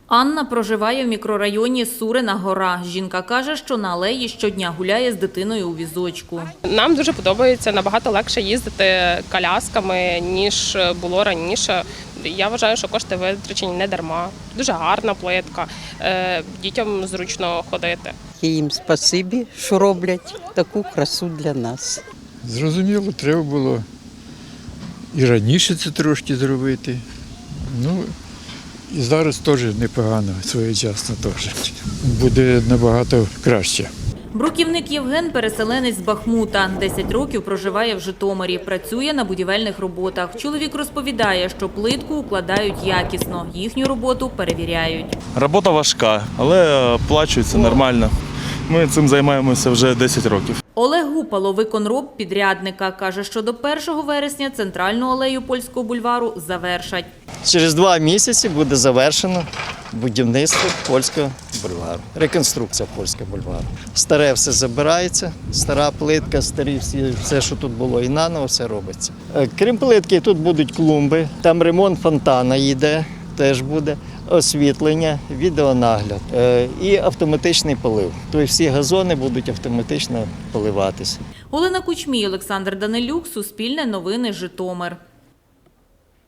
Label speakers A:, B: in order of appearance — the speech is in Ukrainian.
A: Анна проживає в мікрорайоні Сурина гора. Жінка каже, що на алеї щодня гуляє з дитиною у візочку.
B: Нам дуже подобається, набагато легше їздити колясками, ніж було раніше. Я вважаю, що кошти витрачені не дарма. Дуже гарна плитка, дітям зручно ходити.
C: Їм спасибі, що роблять таку красу для нас.
D: Зрозуміло, треба було і раніше це трошки зробити. Ну, і зараз теж непогано, своєчасно теж. Буде набагато краще.
A: Бруківник Євген – переселенець з Бахмута. 10 років проживає в Житомирі. Працює на будівельних роботах. Чоловік розповідає, що плитку укладають якісно. Їхню роботу перевіряють.
E: Робота важка, але оплачується нормально. Ми цим займаємося вже 10 років.
A: Олег Гупало – виконроб підрядника. Каже, що до 1 вересня центральну алею Польського бульвару завершать.
F: Через 2 місяці буде завершено будівництво Польського бульвару, реконструкція Польського бульвару. Старе все забирається, стара плитка, старі все, що тут було, і наново все робиться. Крім плитки, тут будуть клумби, там ремонт фонтана йде, теж буде, освітлення, відеонагляд і автоматичний полив. Тобто всі газони будуть автоматично поливатися.
A: Олена Кучмій, Олександр Данилюк, Суспільне новини, Житомир.